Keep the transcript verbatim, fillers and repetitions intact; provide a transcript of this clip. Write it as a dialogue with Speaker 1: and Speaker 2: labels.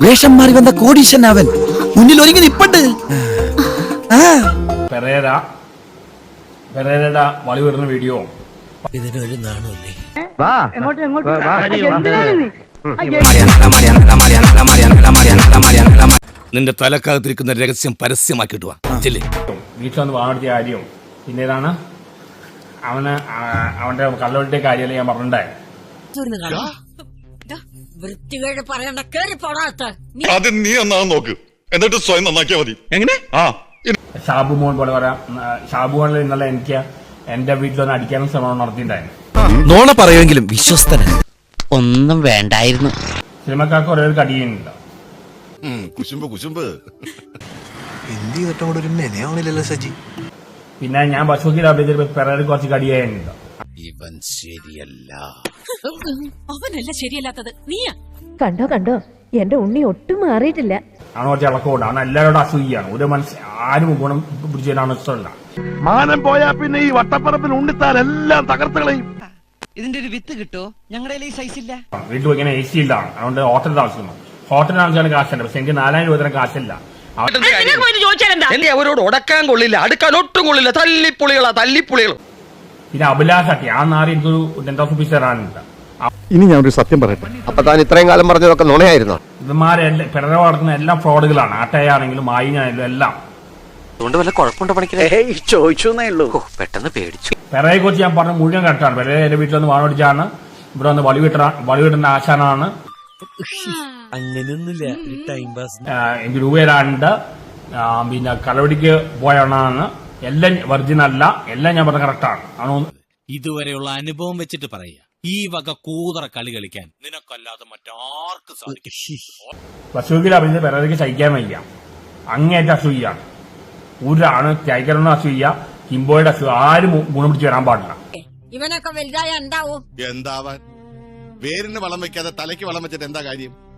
Speaker 1: വേഷം മാറി വന്ന കോടീശൻ അവൻ മുന്നിൽ ഒരുങ്ങി നിപ്പണ്ട്.
Speaker 2: പെരേര പെരേരയുടെ വളി വരുന്ന വീഡിയോ
Speaker 1: ഇതിനൊരു നാണല്ലേ. നിന്റെ തലക്കകത്തിരിക്കുന്ന രഹസ്യം പരസ്യമാക്കിട്ട് വാ.
Speaker 2: വീട്ടിൽ വന്ന് വാണെടുത്ത കാര്യം പിന്നെ ഇതാണ് അവന് അവന്റെ കള്ളവെട്ടിയ കാര്യമല്ല ഞാൻ പറഞ്ഞിട്ടുണ്ടായിരുന്നു.
Speaker 3: ആദ്യം നീ നന്നാകാൻ നോക്ക്, എന്നിട്ട് സ്വയം നന്നാക്കിയാ മതി. എങ്ങനെ? ആ
Speaker 2: ഷാബു മോൻ പോലെ പറയാം. ഷാബു മോനിൽ ഇന്നലെ എനിക്ക് എന്റെ വീട്ടിലൊന്ന് അടിക്കാനും ശ്രമം നടത്തിയിട്ടുണ്ടായിരുന്നു.
Speaker 1: നോണ പറയുമെങ്കിലും വിശ്വസ്തനാണ്.
Speaker 4: ഒന്നും വേണ്ടായിരുന്നു.
Speaker 2: സിനിമക്കാർക്ക് ഒരേ ഒരു കടിയുന്നില്ല.
Speaker 3: കുശുമ്പ് കുശുമ്പ്
Speaker 5: എന്ത് ചെയ്തിട്ടും കൂടെ ഒരു മെനയാവണില്ലല്ലോ സജി.
Speaker 2: പിന്നെ ഞാൻ ബസ്സൂക്കിൽ അഭിനയിച്ചപ്പോൾ പെരേര കുറച്ച് കടിയായിരുന്നില്ല.
Speaker 1: ഇവൻ ശരിയല്ല.
Speaker 6: അവനല്ല ശരിയല്ലാത്തത് നീയാ.
Speaker 7: കണ്ടോ കണ്ടോ എന്റെ ഉണ്ണി ഒട്ടും മാറിയിട്ടില്ല.
Speaker 2: അവന് കുറച്ച് ഇളക്കമുണ്ട്. അവൻ എല്ലാവരോടും അസൂയാണ്. ഒരു മനസ്സ് ആരും ഗുണം പിടിച്ചതിനാണ് ഇഷ്ടമല്ല.
Speaker 8: മാനം പോയാ പിന്നെ ഈ വട്ടപ്പറപ്പിൽ ഉണ്ണിത്താൻ എല്ലാം തകർത്തുകളയും.
Speaker 4: ഇതിന്റെ ഒരു വിത്ത് കിട്ടോ? ഞങ്ങളുടെ ഈ സൈസ് ഇല്ല.
Speaker 2: വീട്ടിൽ ഇങ്ങനെ എ സി ഇല്ല. അതുകൊണ്ട് ഹോട്ടലിൽ താമസിക്കുന്നു. ഹോട്ടലിൽ താമസിക്കാൻ കാശുണ്ട്. പക്ഷെ എനിക്ക് നാലായിരം രൂപ തരം കാശില്ല.
Speaker 4: എന്റെ അവരോട് ഉടക്കാൻ കൊള്ളില്ല, അടുക്കാൻ ഒട്ടും കൊള്ളില്ല. തല്ലിപ്പുളികളാ തല്ലിപ്പുളികൾ.
Speaker 2: പിന്നെ അഭിലാഷാട്ടി ആ നാറി എനിക്കൊരു ടെൻ തൗസൻഡ് റുപ്പീസ് തരാനുണ്ട്.
Speaker 8: ഇനി ഞാൻ ഒരു സത്യം പറയട്ടെ.
Speaker 9: അപ്പൊ താൻ ഇത്രയും കാലം പറഞ്ഞതൊക്കെ നുണയായിരുന്നോ?
Speaker 2: ഇവന്മാരെ പിറക വളർത്തുന്ന എല്ലാം ഫ്രോഡുകളാണ്. ആട്ടയാണെങ്കിലും മായിനാണെങ്കിലും എല്ലാം.
Speaker 4: അതുകൊണ്ട് വല്ല കുഴപ്പമുണ്ടോ പണിക്കേ? ചോദിച്ചു എന്നേ പെട്ടെന്ന് പേടിച്ചു.
Speaker 2: പെരയെ കുറിച്ച് ഞാൻ പറഞ്ഞ മുഴുവൻ കറക്റ്റാണ്. പെരയെ എന്റെ വീട്ടിൽ വന്ന് വാണോടിച്ചാണ്. ഇവിടെ വന്ന് വളിവിട്ട വളിവിടുന്ന ആശാനാണ്.
Speaker 1: അങ്ങനെയൊന്നുമില്ല, ടൈം പാസ്.
Speaker 2: എനിക്ക് രൂപ തരാനുണ്ട്. പിന്നെ കളവടിക്ക് പോയാണ്. എല്ലാം വെർജിൻ അല്ല. എല്ലാം ഞാൻ പറഞ്ഞ കറക്റ്റാണ്. ആണോ?
Speaker 10: ഇതുവരെയുള്ള അനുഭവം വെച്ചിട്ട് പറയാ, ഈ വക കൂതറ കളി കളിക്കാൻ നിനക്കല്ലാതെ മറ്റാർക്കും സാധിക്കും.
Speaker 2: ബസ്സൂക്കിൽ അഭിനയിച്ച പെരേരയ്ക്ക് സഹിക്കാൻ വയ്യ. അങ്ങേറ്റ അസൂയാണ്. ഒരാണ് ടൈഗറിന് അസൂയ, കിംബോയുടെ അസൂയ. ആരും ഗുണം പിടിച്ച് വരാൻ പാടില്ല.
Speaker 6: ഇവനൊക്കെ വലുതായ ഉണ്ടാവും.
Speaker 3: എന്താവാൻ? വേരിന് വളം വെക്കാതെ തലയ്ക്ക് വളം വെച്ചിട്ട് എന്താ കാര്യം?